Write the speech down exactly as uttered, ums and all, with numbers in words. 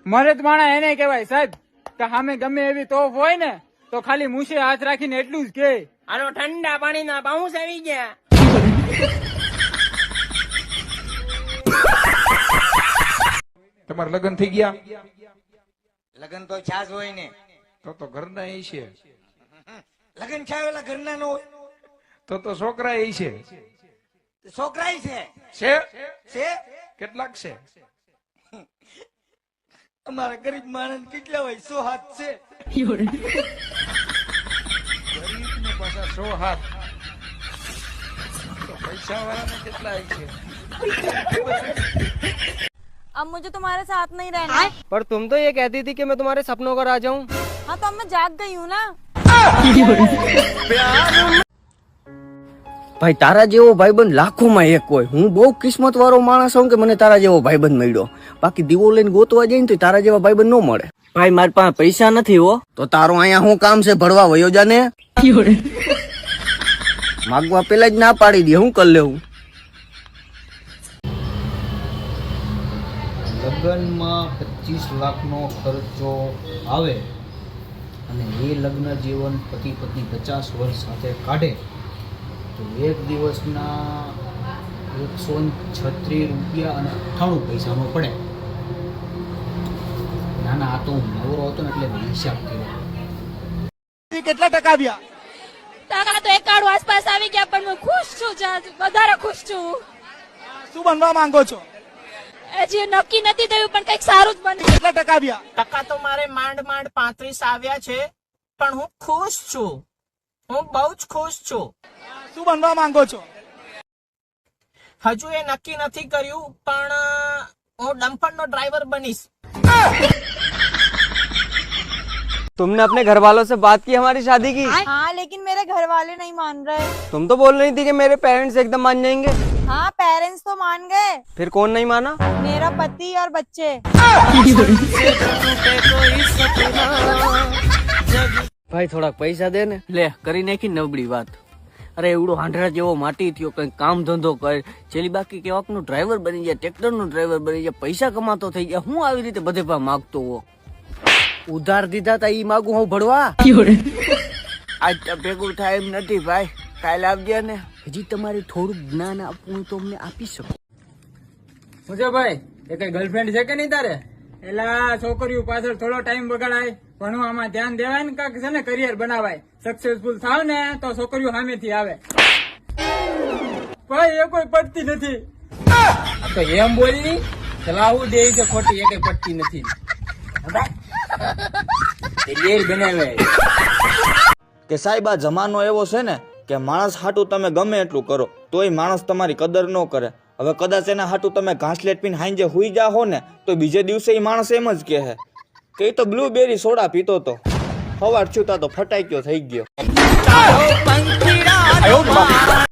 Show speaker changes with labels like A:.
A: મરદ માણા એને કહેવાય સાહેબ કે સામે ગમે એવી તોફ હોય ને તો ખાલી મૂછે હાથ રાખીને એટલું જ કે
B: આનો ઠંડા પાણીના બાઉન્સ આવી ગયા.
C: તમારા લગ્ન થઈ ગયા?
D: લગ્ન તો છાસ હોય ને
C: તો તો ઘરના એ છે.
D: લગ્ન છાવેલા ઘરના નો હોય
C: તો તો છોકરા એ છે.
D: છોકરા છે
C: છે
D: છે
C: કેટલાક છે?
D: અમારા ગરીબ માણસ કેટલા હોય? સો હાથ છે.
C: ગરીબ ને પાછા સો હાથ. તો પૈસા વાળાને કેટલા છે?
E: अब मुझे तुम्हारे साथ नहीं रहना है।
B: पर तुम तो ये कहती थी कि मैं तुम्हारे सपनों को आ जाऊं.
E: हाँ तो अब मैं जाग गई हूँ ना.
F: ભાઈ તારા જેવો ભાઈબંધ લાખોમાં એક હોય. હું બહુ કિસ્મત વાળો માણસ છું કે મને તારા જેવો ભાઈબંધ મળ્યો. બાકી દીવો લઈને ગોતવા જાય ને તો તારા જેવા ભાઈબંધ ન મળે. ભાઈ મારી પાસે પૈસા નથી હો. તો તારું અહીંયા શું કામ છે? ભરવા વયો જાને. માગવા પેલા જ ના પાડી દે. હું કરી લેવું?
G: લગ્નમાં પચીસ લાખનો ખર્ચો આવે અને એ લગ્ન જીવન પતિ પત્ની પચાસ વર્ષ સાથે કાઢે તો એક દિવસના એકસો છત્રીસ રૂપિયા અને અઠ્ઠાણું પૈસાનો પડે. ના ના આ તો હું નવરો હતો ને એટલે હિસાબ કર્યો.
D: કેટલા ટકા આવ્યા?
E: ટકા તો એકાડું આસપાસ આવી ગયા પણ હું ખુશ છું. વધારે ખુશ છું.
D: શું બનવા માંગો છો?
E: હજી નક્કી નથી થયું પણ કઈક સારું જ બને.
D: કેટલા ટકા આવ્યા?
B: ટકા તો મારે માંડ માંડ પાંત્રીસ આવ્યા છે પણ હું ખુશ છું. હું બહુ જ ખુશ છું.
D: શું બનવા માંગો છો?
B: હજુ એ નક્કી નથી કર્યું પણ હું ડમ્પરનો ડ્રાઈવર બનીશ.
H: तुमने अपने घर वालों से बात की हमारी शादी की?
E: हाँ लेकिन मेरे घर वाले नहीं मान रहे.
H: तुम तो बोल रही थी कि मेरे पेरेंट्स एकदम मान जाएंगे.
E: हाँ पेरेंट्स तो मान गए.
H: फिर कौन नहीं माना?
E: मेरा पति और बच्चे.
F: ભાઈ થોડાક પૈસા દે ને. લે કરી નાખી નબળી વાત. અરે એવડો હાંડરા જેવો માટી થયો, કઈ કામ ધંધો કર. છેલ્લી બાકી કેવાક નું ડ્રાઈવર બની જાય, ટ્રેક્ટર નું ડ્રાઈવર બની જાય, પૈસા કમાતો થઈ ગયા. હું આવી રીતે બધે પા માગતો હો. ઉધાર દીધા તા ઈ માગું હું ભરવા? આજ તો ભેગું થાય એમ નથી ભાઈ. કાલે આવજે ને. હજી તમારે થોડુંક જ્ઞાન આપવું તો અમને આપી શકો.
A: મુજે ભાઈ એ કઈ ગર્લફ્રેન્ડ છે કે નહીં તારે? એલા છોકરીઓ પાછળ થોડો ટાઈમ બગાડાય, ભણવામાં ધ્યાન દેવાય ને કાંક છે ને કરિયર બનાવાય. સક્સેસફુલ થાવ ને તો છોકરીઓ સામેથી આવે. ભાઈ એ કોઈ પડતી નથી. તો એમ બોલી ચલાવું દે છે ખોટી, એ કઈ પડતી નથી.
I: કે સાહેબ આ જમાનો એવો છે ને કે માણસ હાટું તમે ગમે એટલું કરો તોય માણસ તમારી કદર ન કરે. હવે કદાચ એના હાટું તમે ઘાસલેટ પીને હાંજે હુઈ જાઓ ને તો બીજે દિવસે એ માણસ એમ જ કહે કે એ તો બ્લુબેરી સોડા પીતો તો, સવાર છૂટા તો ફટાક્યો થઈ ગયો.